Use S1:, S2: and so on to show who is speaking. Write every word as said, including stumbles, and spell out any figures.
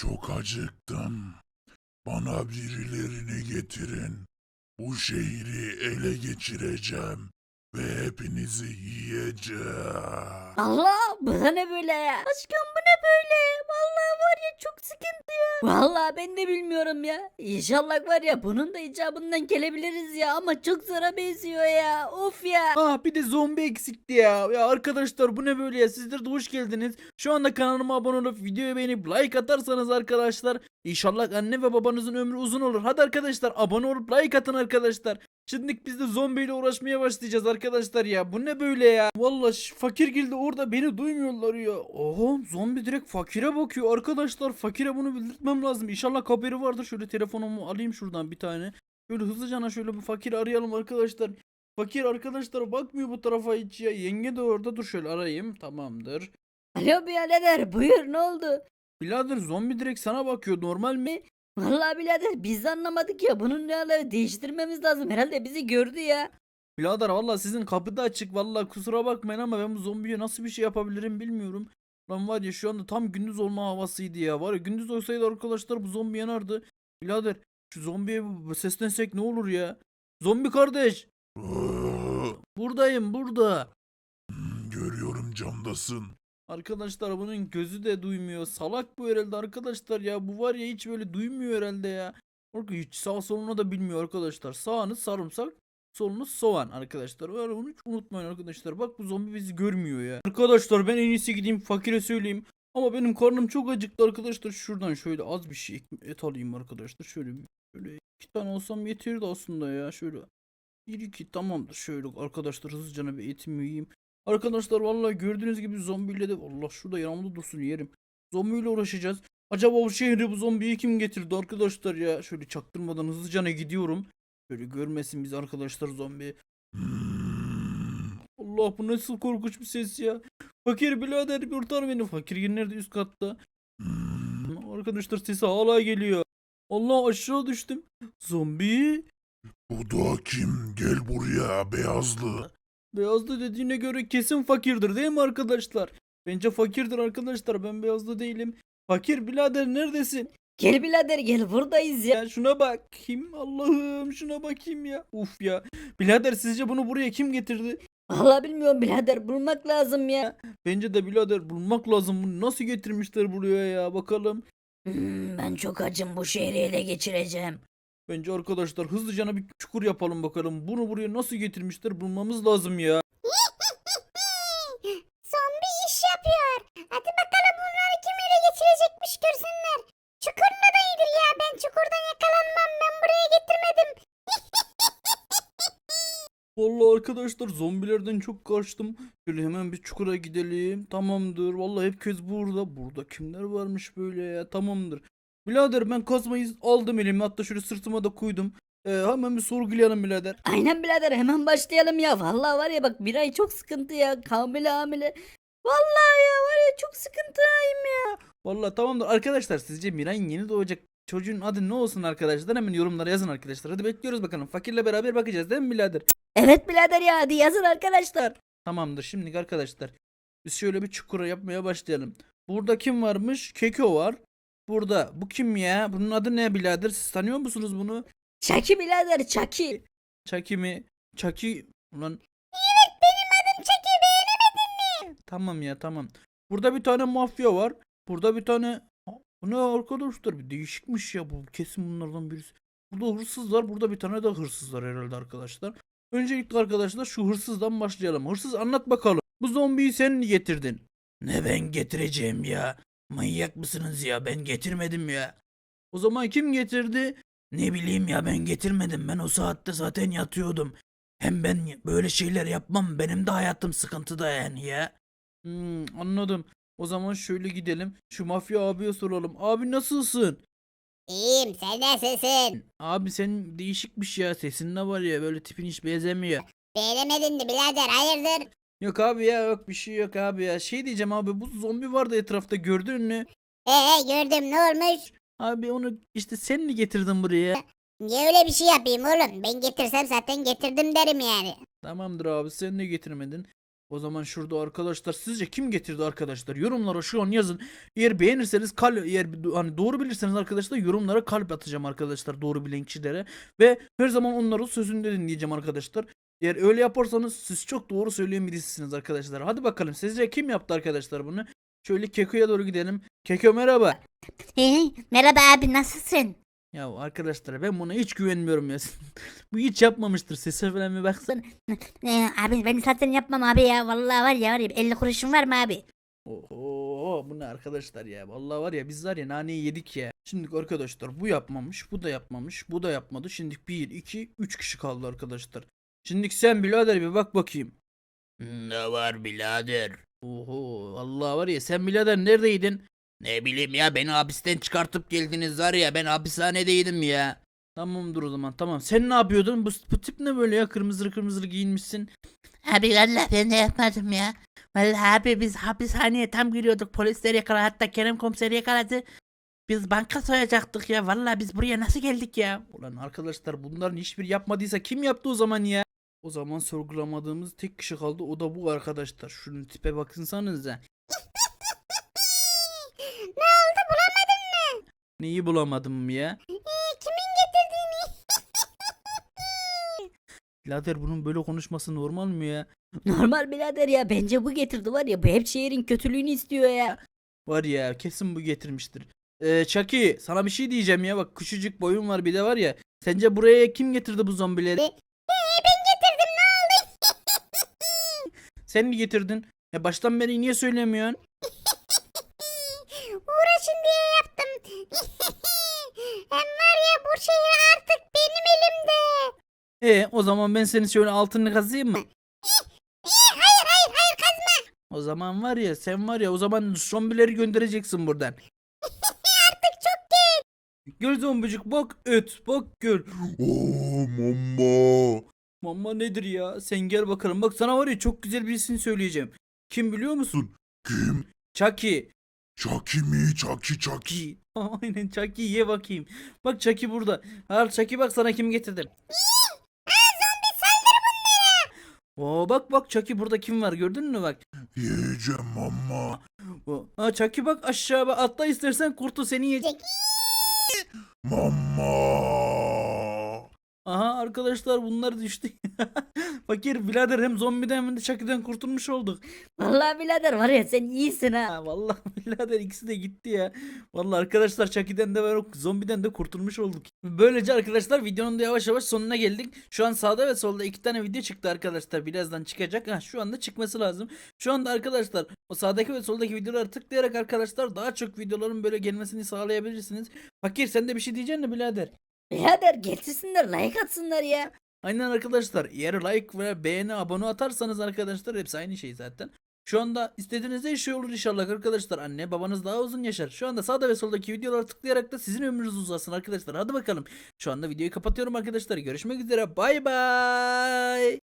S1: Çok acıktım. Bana birilerini getirin. Bu şehri ele geçireceğim ve hepinizi yiyeceğim.
S2: Allah, bu da ne böyle ya? Aşkım, bu ne böyle? Vallahi var ya, çok sıkıntı ya. Vallahi ben de bilmiyorum ya. İnşallah var ya bunun da icabından gelebiliriz ya, ama çok zora benziyor ya. Of ya.
S3: Ah bir de zombi eksikti ya. Ya arkadaşlar bu ne böyle ya? Sizler de hoş geldiniz. Şu anda kanalıma abone olup videoyu beğenip like atarsanız arkadaşlar İnşallah anne ve babanızın ömrü uzun olur. Hadi arkadaşlar abone olup like atın arkadaşlar. Şimdi biz de zombiyle uğraşmaya başlayacağız arkadaşlar ya. Bu ne böyle ya? Vallahi şu fakir geldi orada beni duymuyorlar ya. Oha zombi direkt fakire bakıyor arkadaşlar. Fakire bunu bildirtmem lazım. İnşallah haberi vardır. Şöyle telefonumu alayım şuradan bir tane. Şöyle hızlıca şöyle bir fakiri arayalım arkadaşlar. Fakir arkadaşlar bakmıyor bu tarafa hiç ya. Yenge de orada, dur şöyle arayayım. Tamamdır.
S2: Alo birader, buyur, ne oldu?
S3: Birader zombi direkt sana bakıyor, normal mi?
S2: Vallahi birader biz de anlamadık ya, bunun ne aları, değiştirmemiz lazım, herhalde bizi gördü ya.
S3: Birader valla sizin kapı da açık, valla kusura bakmayın ama ben bu zombiye nasıl bir şey yapabilirim bilmiyorum. Lan var ya şu anda tam gündüz olma havasıydı ya. Var ya gündüz olsaydı arkadaşlar bu zombi yanardı. Birader şu zombiye bir seslensek ne olur ya? Zombi kardeş
S1: Iıı,
S3: buradayım burada.
S1: hmm, Görüyorum camdasın.
S3: Arkadaşlar bunun gözü de duymuyor. Salak bu herhalde arkadaşlar ya. Bu var ya hiç böyle duymuyor herhalde ya. Bak hiç sağ solunu da bilmiyor arkadaşlar. Sağınız sarımsak, solunuz soğan arkadaşlar. Öyle bunu hiç unutmayın arkadaşlar. Bak bu zombi bizi görmüyor ya. Arkadaşlar ben en iyisi gideyim fakire söyleyeyim. Ama benim karnım çok acıktı arkadaşlar. Şuradan şöyle az bir şey et alayım arkadaşlar. Şöyle şöyle iki tane olsam yeterdi aslında ya. Şöyle bir iki tamamdır. Şöyle arkadaşlar hızlıca bir etimi yiyeyim. Arkadaşlar vallahi gördüğünüz gibi zombiyle de Allah şurada yanımda dursun yerim. Zombiyle uğraşacağız. Acaba bu şehri bu zombiyi kim getirdi arkadaşlar ya? Şöyle çaktırmadan hızlıca gidiyorum. Şöyle görmesin biz arkadaşlar zombi.
S1: Hmm,
S3: Allah bu nasıl korkunç bir ses ya. Fakir birader kurtar beni. Fakir yine nerede, üst katta.
S1: hmm.
S3: Arkadaşlar sesi hala geliyor. Allah aşağı düştüm. Zombi.
S1: Bu da kim? Gel buraya beyazlı.
S3: Beyazlı dediğine göre kesin fakirdir değil mi arkadaşlar? Bence fakirdir arkadaşlar, ben beyazlı değilim. Fakir birader neredesin?
S2: Gel birader gel, buradayız ya.
S3: Ya şuna bak. Kim? Allah'ım şuna bakayım ya. Uf ya. Birader sizce bunu buraya kim getirdi?
S2: Vallahi bilmiyorum birader, bulmak lazım ya.
S3: Bence de birader bulmak lazım. Bunu nasıl getirmişler buraya ya, bakalım.
S2: Hmm, ben çok acım, bu şehri ele geçireceğim.
S3: Bence arkadaşlar hızlıca bir çukur yapalım bakalım. Bunu buraya nasıl getirmişler bulmamız lazım ya.
S4: Zombi iş yapıyor. Hadi bakalım bunları kim ele geçirecekmiş görsünler. Çukur da iyidir ya. Ben çukurdan yakalanmam. Ben buraya getirmedim.
S3: Vallahi arkadaşlar zombilerden çok kaçtım. Şöyle hemen bir çukura gidelim. Tamamdır. Vallahi herkes burada. Burada kimler varmış böyle ya? Tamamdır. Birader ben kazmayı aldım elime. Hatta şöyle sırtıma da koydum. Ee, hemen bir sorgulayalım birader.
S2: Aynen birader, hemen başlayalım ya. Vallahi var ya bak, bir ay çok sıkıntı ya. Hamile hamile. Vallahi ya var ya, çok sıkıntıyım ya.
S3: Vallahi tamamdır. Arkadaşlar sizce Miray'ın yeni doğacak çocuğun adı ne olsun arkadaşlar? Hemen yorumlara yazın arkadaşlar. Hadi bekliyoruz bakalım. Fakirle beraber bakacağız değil mi birader?
S2: Evet birader ya, hadi yazın arkadaşlar.
S3: Tamamdır. Şimdi arkadaşlar biz şöyle bir çukura yapmaya başlayalım. Burada kim varmış? Keko var. Burada. Bu kim ya? Bunun adı ne birader? Siz tanıyor musunuz bunu?
S2: Çaki birader, Çaki.
S3: Çaki mi? Çaki. Ulan
S4: Benim adım Çeki, beğenemedin mi?
S3: tamam ya tamam. Burada bir tane mafya var. Burada bir tane. Aa, bu ne arkadaşlar? Bir değişikmiş ya bu. Kesin bunlardan birisi. Burada hırsız var. Burada bir tane de hırsız var herhalde arkadaşlar. Öncelikle arkadaşlar şu hırsızdan başlayalım. Hırsız anlat bakalım. Bu zombiyi sen mi getirdin? Ne ben getireceğim ya? Manyak mısınız ya? Ben getirmedim ya. O zaman kim getirdi? Ne bileyim ya, ben getirmedim. Ben o saatte zaten yatıyordum. Hem ben böyle şeyler yapmam. Benim de hayatım sıkıntıda yani ya. Hmm, anladım. O zaman şöyle gidelim. Şu mafya abiye soralım. Abi nasılsın?
S4: İyiyim, sen nasılsın?
S3: Abi sen değişikmiş ya. Sesin ne var ya, böyle tipin hiç benzemiyor.
S4: Beğenemedin mi birader, hayırdır?
S3: Yok abi ya, yok bir şey yok abi ya. Şey diyeceğim abi, bu zombi vardı etrafta, gördün mü?
S4: Ee gördüm, ne olmuş?
S3: Abi onu işte sen mi getirdin buraya?
S4: Niye öyle bir şey yapayım oğlum? Ben getirsem zaten getirdim derim yani.
S3: Tamamdır abi, sen de getirmedin. O zaman şurada arkadaşlar sizce kim getirdi arkadaşlar? Yorumlara şu an yazın. Eğer beğenirseniz kalp, eğer hani doğru bilirseniz arkadaşlar yorumlara kalp atacağım arkadaşlar doğru bilen kişilere. Ve her zaman onların sözünü de dinleyeceğim arkadaşlar. Eğer öyle yaparsanız siz çok doğru söyleyen birisiniz arkadaşlar. Hadi bakalım sizce kim yaptı arkadaşlar bunu? Şöyle Keko'ya doğru gidelim. Keko merhaba.
S4: Hey, merhaba abi nasılsın?
S3: Ya arkadaşlar ben buna hiç güvenmiyorum ya. Bu hiç yapmamıştır. Sese falan bir baksana.
S4: Ee, abi ben zaten yapmam abi ya. Vallahi var ya var ya elli kuruşun var mı abi?
S3: Oho bu ne arkadaşlar ya. Vallahi var ya biz var ya naneyi yedik ya. Şimdi arkadaşlar bu yapmamış, bu da yapmamış, bu da yapmadı. Şimdi bir, iki, üç kişi kaldı arkadaşlar. Şimdi sen birader bir bak bakayım.
S5: Ne var birader?
S3: Oho vallahi var ya sen birader neredeydin?
S5: Ne bileyim ya beni hapisten çıkartıp geldiniz var ya ben hapishanedeydim ya.
S3: Tamamdır o zaman tamam. Sen ne yapıyordun? Bu, bu tip ne böyle ya? Kırmızı kırmızı giyinmişsin.
S5: Abi valla ben de yapmadım ya. Valla abi biz hapishaneye tam giriyorduk polisler yakaladı hatta Kerem komiseri yakaladı. Biz banka soyacaktık ya valla biz buraya nasıl geldik ya?
S3: Ulan arkadaşlar bunların hiçbir yapmadıysa kim yaptı o zaman ya? O zaman sorgulamadığımız tek kişi kaldı o da bu arkadaşlar. Şunun tipe bakınsanıza.
S4: Ne oldu bulamadın mı?
S3: Neyi bulamadım ya?
S4: Ee, kimin getirdiğini?
S3: Birader bunun böyle konuşması normal mi ya?
S2: Normal birader ya, bence bu getirdi var ya, bu hep şehrin kötülüğünü istiyor ya.
S3: Var ya kesin bu getirmiştir. Ee, Chucky sana bir şey diyeceğim ya bak küçücük boyun var bir de var ya. Sence buraya kim getirdi bu zombileri?
S4: Ee, ben getirdim ne oldu?
S3: Sen mi getirdin? Ya baştan beri niye söylemiyorsun?
S4: Uğraşın diye yaptım. Hem var ya bu şehir artık benim elimde.
S3: E o zaman ben senin şöyle altını kazıyım mı?
S4: Hayır hayır hayır kazma.
S3: O zaman var ya sen var ya o zaman zombileri göndereceksin buradan.
S4: Artık çok geç.
S3: Gel zombicik bak et bak gel.
S1: Oo mama.
S3: Mama nedir ya? Sen gel bakalım. Bak sana var ya çok güzel birisini söyleyeceğim. Kim biliyor musun?
S1: Kim?
S3: Chucky.
S1: Chucky mi? Chucky Chucky.
S3: Chucky. Aynen Chucky ye bakayım. Bak Chucky burada. Al Chucky bak sana kim getirdim. Oo bak bak Chucky burada kim var gördün mü bak.
S1: Yiyeceğim mama.
S3: O, ha Chucky bak aşağı bak atla istersen kurtu seni yiyecek.
S1: Mama.
S3: Aha arkadaşlar bunlar düştü. Fakir birader hem zombiden hem de Chucky'den kurtulmuş olduk.
S2: Vallahi birader var ya, sen iyisin ha.
S3: Ha, vallahi birader ikisi de gitti ya. Vallahi arkadaşlar Chucky'den de ve zombiden de kurtulmuş olduk. Böylece arkadaşlar videonun da yavaş yavaş sonuna geldik. Şu an sağda ve solda iki tane video çıktı arkadaşlar. Birazdan çıkacak. Ha, şu anda çıkması lazım. Şu anda arkadaşlar o sağdaki ve soldaki videoları tıklayarak arkadaşlar daha çok videoların böyle gelmesini sağlayabilirsiniz. Fakir sen de bir şey diyeceksin mi birader?
S2: Birader getirsinler, like atsınlar ya.
S3: Aynen arkadaşlar. Eğer like ve beğeni abone atarsanız arkadaşlar hepsi aynı şey zaten. Şu anda istediğiniz her şey olur inşallah arkadaşlar. Anne babanız daha uzun yaşar. Şu anda sağda ve soldaki videoları tıklayarak da sizin ömrünüz uzasın arkadaşlar. Hadi bakalım. Şu anda videoyu kapatıyorum arkadaşlar. Görüşmek üzere. Bay bay.